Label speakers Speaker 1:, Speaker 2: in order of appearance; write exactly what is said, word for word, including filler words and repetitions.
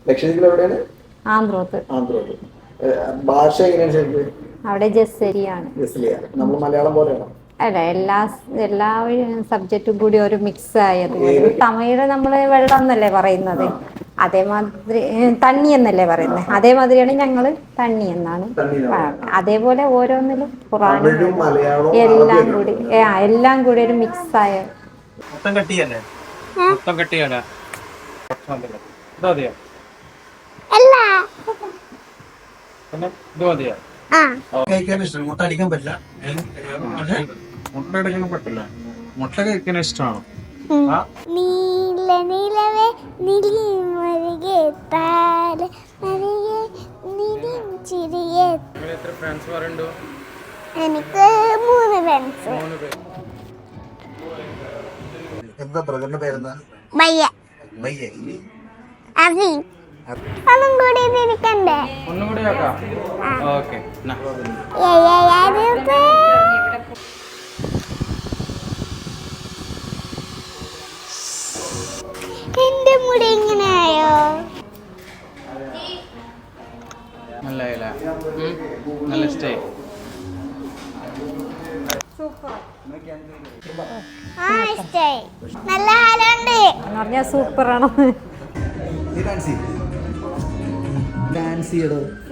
Speaker 1: ലക്ഷദ്വീപിൽ എവിടെയാണ്?
Speaker 2: ആന്ത്രോത്ത്.
Speaker 1: ആന്ത്രോത്ത്. ഭാഷ എങ്ങനെയാണ് ശരിക്കും?
Speaker 2: അവിടെ ജസ്സരിയാണ്.
Speaker 1: ജസ്ലിയാണ്. നമ്മൾ മലയാളം പോലെയാണോ?
Speaker 2: അല്ല, എല്ലാ എല്ലാ സബ്ജക്റ്റും കൂടി ഒരു മിക്സ് ആയത്. തമിഴ് നമ്മള് വെള്ളം എന്നല്ലേ പറയുന്നത്, അതേമാതിരി തണ്ണി എന്നല്ലേ പറയുന്നത്, അതേമാതിരിയാണ് ഞങ്ങള് തണ്ണി എന്നാണ്. അതേപോലെ ഓരോന്നിലും ഖുറാനും എല്ലാം കൂടി എല്ലാം കൂടി ഒരു മിക്സ് ആയ.
Speaker 3: മൊത്തം കട്ടിയല്ലേ? മൊത്തം കട്ടിയല്ല. ഇതാ മതിയോ? പിന്നെ ഇത് മതിയോ? കഴിക്കാൻ ഇഷ്ടം. മുട്ട അടിക്കാൻ പറ്റില്ല. മുട്ട അടിക്കാൻ പറ്റില്ല. മുട്ട കഴിക്കാൻ ഇഷ്ടമാണോ?
Speaker 4: നീല നിലവേ നിലിമരികെ താര മരികെ നിലിം ചിരിയെ.
Speaker 3: എത്ര ഫ്രണ്ട്സ് പറയുന്നുണ്ടോ?
Speaker 4: എനിക്ക് മൂന്ന് ഫ്രണ്ട്സ്.
Speaker 1: എന്താ ബ്രദറിന്റെ പേരെന്താ?
Speaker 4: ബയ്യ.
Speaker 1: ബയ്യ.
Speaker 4: അസി. ഒന്നും കൂടി തിരിക്കണ്ടേ?
Speaker 3: ഒന്നും കൂടി ആക്കാം. ഓക്കേ.
Speaker 4: എന്റെ മുടി ഇങ്ങനെയായോ?
Speaker 3: നല്ല നല്ല സ്റ്റേ.
Speaker 4: ആ ഇഷ്ടായി. നല്ല ഹാലുണ്ട്
Speaker 2: എന്ന് പറഞ്ഞാൽ സൂപ്പറാണ്.
Speaker 1: Dance dance ചെയ്യടോ.